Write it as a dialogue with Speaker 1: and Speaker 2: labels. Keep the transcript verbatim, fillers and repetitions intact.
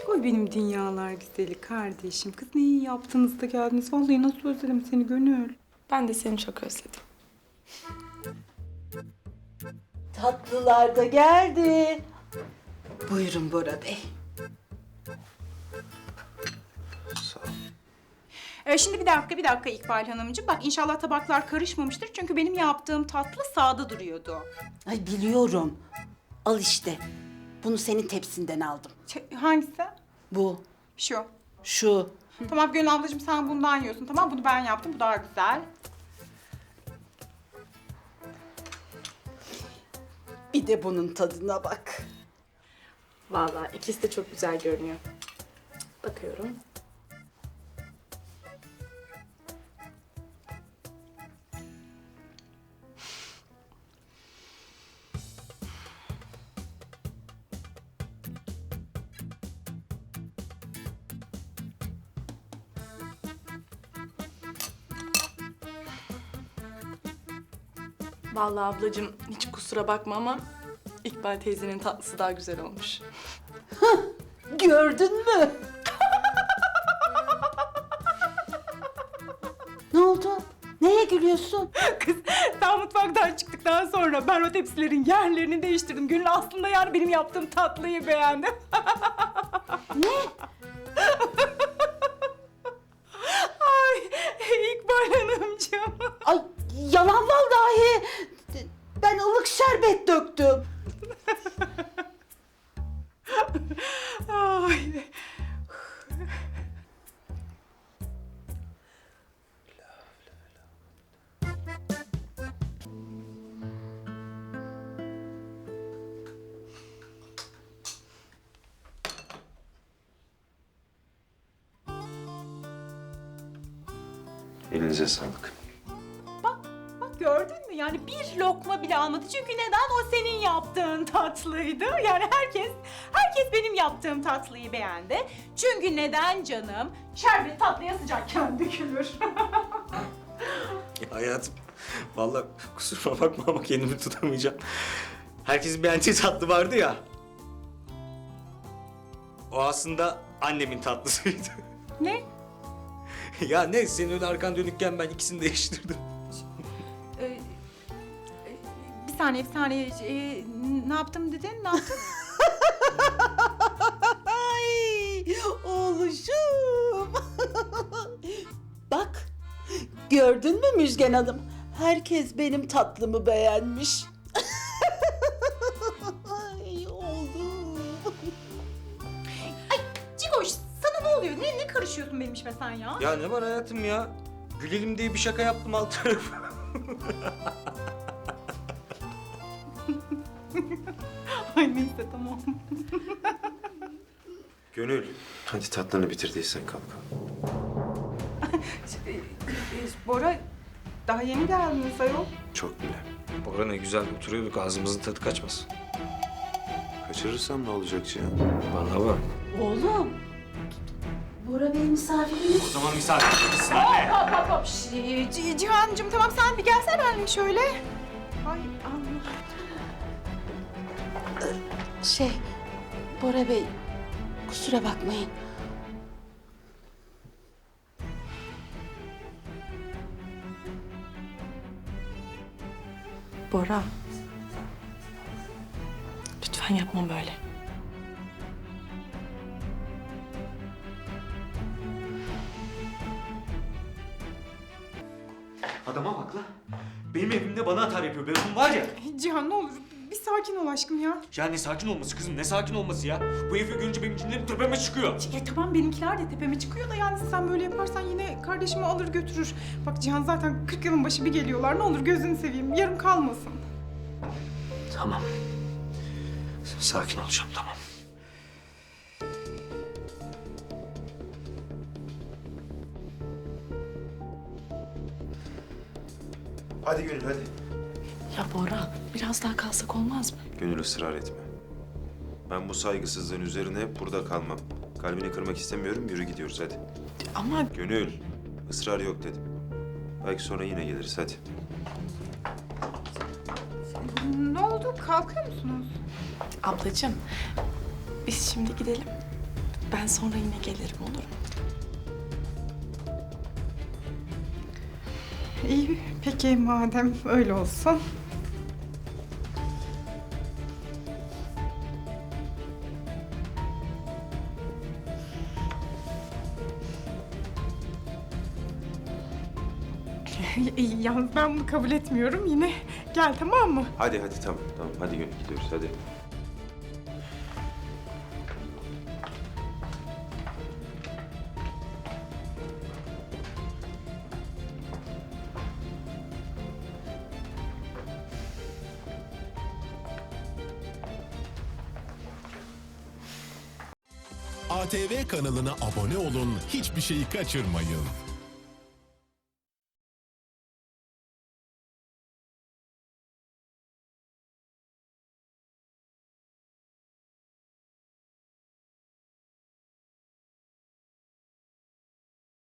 Speaker 1: Oy benim dünyalar güzeli kardeşim. Kız ne iyi yaptınız da geldiniz. Vallahi nasıl özledim seni Gönül.
Speaker 2: Ben de seni çok özledim.
Speaker 3: Tatlılar da geldi. Buyurun Bora Bey.
Speaker 4: Sağ ol.
Speaker 1: Ee, şimdi bir dakika, bir dakika İkbal Hanımcığım. Bak inşallah tabaklar karışmamıştır. Çünkü benim yaptığım tatlı sağda duruyordu.
Speaker 3: Ay biliyorum. Al işte. Bunu senin tepsinden aldım.
Speaker 1: Ç- hangisi?
Speaker 3: Bu,
Speaker 1: Şu.
Speaker 3: şu.
Speaker 1: Tamam Gönül ablacığım sen bundan yiyorsun. Tamam bunu ben yaptım. Bu daha güzel.
Speaker 3: Bir de bunun tadına bak.
Speaker 2: Vallahi ikisi de çok güzel görünüyor. Bakıyorum. Vallahi ablacığım hiç kusura bakma ama İkbal teyzenin tatlısı daha güzel olmuş.
Speaker 3: Gördün mü? Ne oldu? Neye gülüyorsun?
Speaker 1: Kız daha mutfaktan çıktıktan sonra ben o tepsilerin yerlerini değiştirdim. Gönül aslında yani benim yaptığım tatlıyı beğendi.
Speaker 3: Ne?
Speaker 1: Ay İkbal Hanımcığım.
Speaker 3: Ay yalan vallahi. Ben ılık şerbet döktüm.
Speaker 1: Ay.
Speaker 4: Elinize sağlık.
Speaker 1: Bak, bak gördün mü? Yani bir lokma bile almadı. Çünkü neden? O senin yaptığın tatlıydı. Yani herkes, herkes benim yaptığım tatlıyı beğendi. Çünkü neden canım? Şerbet tatlıya sıcakken dökülür.
Speaker 5: Hayatım, vallahi kusuruma bakma ama kendimi tutamayacağım. Herkesin beğendiği tatlı vardı ya. O aslında annemin tatlısıydı.
Speaker 1: Ne?
Speaker 5: Ya ne, senin öyle arkan dönükken ben ikisini değiştirdim.
Speaker 1: Ee, e, bir saniye, bir saniye. Ee, ne yaptım dedin? Ne yaptın?
Speaker 3: Ay oğluşum. Bak gördün mü Müjgan Hanım? Herkes benim tatlımı beğenmiş. Ay oğlum.
Speaker 1: Cigoş, sana ne oluyor? Ne, ne karışıyorsun benim işime sen ya?
Speaker 5: Ya ne var hayatım ya? Gülelim diye bir şaka yaptım alt tarafı.
Speaker 1: Ay neyse tamam.
Speaker 4: Gönül, hadi tatlını bitirdiysen kalk.
Speaker 1: Ee, e, Bora, daha yeni geldiniz ayol.
Speaker 4: Çok bile.
Speaker 5: Bora ne güzel oturuyorduk, ağzımızın tadı kaçmasın.
Speaker 4: Kaçırırsam ne olacak Cihan?
Speaker 5: Vallahi bak.
Speaker 3: Oğlum. Bora Bey misafirimiz.
Speaker 5: O zaman misafir gitsin anne.
Speaker 1: Hop hop hop. Şş, C- Cihan'cığım tamam sen bir gelsene benimle şöyle. Ay Allah.
Speaker 3: Şey, Bora Bey, kusura bakmayın.
Speaker 2: Bora. Lütfen yapma böyle.
Speaker 5: Adama bak la. Benim evimde bana atar yapıyor. Ben onun var ya.
Speaker 1: Cihan ne olur bir sakin ol aşkım ya.
Speaker 5: Ya ne sakin olması kızım, ne sakin olması ya? Bu herifi görünce benim cinlerim tepeme çıkıyor.
Speaker 1: Ya tamam benimkiler de tepeme çıkıyor da yani sen böyle yaparsan yine kardeşimi alır götürür. Bak Cihan zaten kırk yılın başı bir geliyorlar. Ne olur gözünü seveyim yarım kalmasın.
Speaker 5: Tamam. Sakin olacağım, tamam.
Speaker 4: Hadi Gönül hadi.
Speaker 2: Ya Bora, biraz daha kalsak olmaz mı?
Speaker 4: Gönül ısrar etme. Ben bu saygısızlığın üzerine hep burada kalmam. Kalbini kırmak istemiyorum, yürü gidiyoruz hadi.
Speaker 2: Ama
Speaker 4: Gönül, ısrar yok dedim. Belki sonra yine geliriz hadi.
Speaker 1: Ne oldu kalkıyor musunuz?
Speaker 2: ablacığım, biz şimdi gidelim. Ben Ben sonra yine gelirim, olur mu?
Speaker 1: İyi, peki madem öyle olsun. İyi, yalnız ben bunu kabul etmiyorum. Yine gel, tamam mı?
Speaker 4: Hadi hadi tamam tamam hadi Gönül gidiyoruz hadi.
Speaker 6: A T V kanalına abone olun, hiçbir şeyi kaçırmayın.